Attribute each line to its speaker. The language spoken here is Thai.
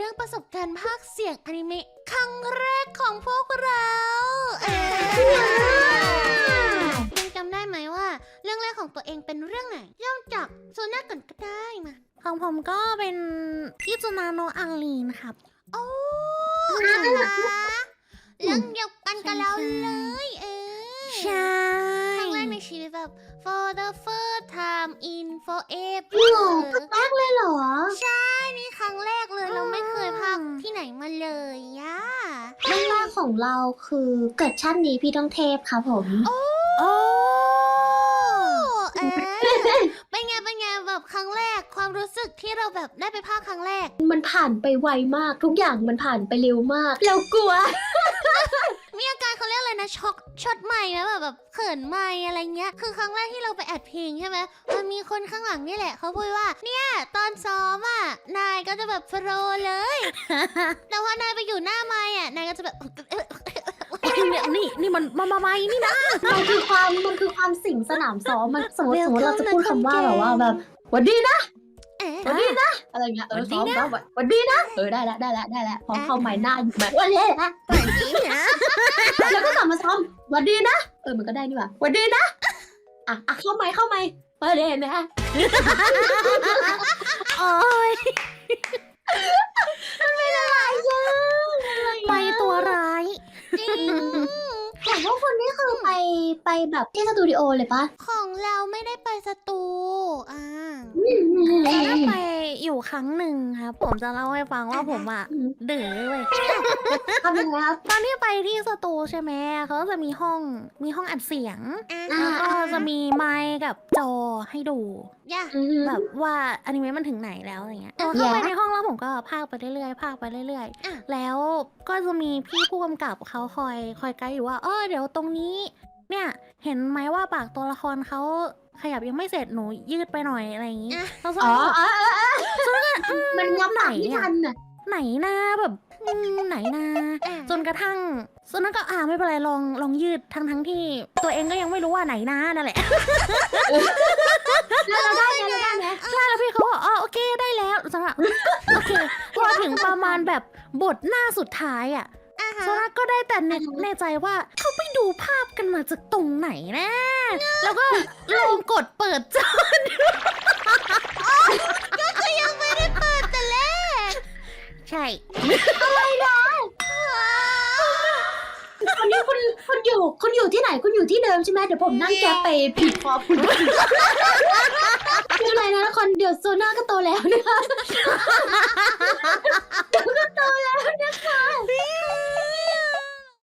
Speaker 1: รื่องประสบการณ์ภาคเสียงอนิเมะครั้งแรกของพวกเรายังจำได้ไหมว่าเรื่องแรกของตัวเองเป็นเรื่องไหนเริ่มจากโซน่าก่อนก็ได้มา
Speaker 2: ของผมก็เป็นอิจูนาโนะอังลีนครับ
Speaker 1: โอ้เรื่องเดียวกันกับเราเลย
Speaker 2: ใช่
Speaker 1: ครั้งแรกในชีวิตแบบ for the first time in forever
Speaker 3: หรอครั้งแรกเลยเหรอ
Speaker 1: ใช่นี่ครั้งแรกเลยเราไม่เคยพากที่ไหนมาเลยย่า
Speaker 3: เรื่องแรกของเราคือเกิดชาตินี้พี่ต้องเทพครับผม
Speaker 1: โอ้เป็นไงแบบครั้งแรกความรู้สึกที่เราแบบได้ไปพากครั้งแรก
Speaker 3: มันผ่านไปไวมากทุกอย่างมันผ่านไปเร็วมากเรากลัว
Speaker 1: มีอาการเขาเรียกอะไรนะช็อตใหม่นะแบบเขินใหม่อะไรเงี้ยคือครั้งแรกที่เราไปอัดเพลงใช่ไหมมันมีคนข้างหลังนี่แหละเขาพูดว่าเนี่ยตอนซ้อมอ่ะนายก็จะแบบโปรเลยแต่พอนายไปอยู่หน้าไมค์อ่ะนายก็จะแบบ
Speaker 2: นี่มันมานี่นะ
Speaker 3: มันคือความสิ่งสนามซ้อมมันสมมติเราจะพูดคำว่าแบบว่าแบบวันดีนะวันดีนะอะไรเงี้ยซ้อมวันดีนะได้แล้วพอเข้าไมค์หน้าอยู่แบบวันดีนะ
Speaker 1: วันดีนะ
Speaker 3: แล้วก็กลับมาซ้อมวันดีนะมันก็ได้นี่หว่าวันดีนะเข้าไมค์วันดีนะ
Speaker 2: โอ้ย
Speaker 3: เป็นอะไร
Speaker 2: ไปตัวร้าย
Speaker 1: จริง
Speaker 3: แต่ว่าคนนี้คือไปแบบที่สตูดิโอเลยปะ
Speaker 1: ของเราไม่ได้ไปสตู
Speaker 2: ถ้าไปอยู่ครั้งหนึ่งครับผมจะเล่าให้ฟังว่าผมอ่ะดื้อเว้ย
Speaker 3: ทำยังไงครับ
Speaker 2: ตอนที่ไปที่สตูใช่ไหมเขาจะมีห้องอัดเสียงแล้วก็จะมีไมค์กับจอให้ดูแบบว่าอนิเมะมันถึงไหนแล้วอะไรเงี้ยเข้าไปในห้องแล้วผมก็พากไปเรื่อยๆแล้วก็จะมีพี่ผู้กำกับเขาคอยไกด์อยู่ว่าเดี๋ยวตรงนี้เนี่ยเห็นไหมว่าปากตัวละครเขาขยับยังไม่เสร็จหนูยืดไปหน่อยอะไรอย่างงี้แล้ว
Speaker 3: มันงับไหนทันน่ะ
Speaker 2: ไหนนะแบบไหนนะจนกระทั่งส่วนนั้นก็ไม่เป็นไรลองยืดทั้งที่ตัวเองก็ยังไม่รู้ว่าไหนนะนั่นแหละ
Speaker 3: เราได้ไหม
Speaker 2: ใช่แล้วพี่เขาบอกโอเคได้แล้วสำหรับโอเคพอถึงประมาณแบบบทหน้าสุดท้ายอ่ะโซล่าก็ได้แต่แน่ใจว่าเขาไปดูภาพกันมาจากตรงไหนนะแล้วก็ลองกดเปิดจอ
Speaker 1: ก็คือยังไม่ได้เปิดแต่แรก
Speaker 2: ใช่
Speaker 3: อะไรนะวันนี้คุณอยู่ที่ไหนคุณอยู่ที่เดิมใช่ไหมเดี๋ยวผมนั่งแกไปผิดพอคุณคืออะไรนะคนเดี๋ยวโซน่าก็โตแล้วนะคะ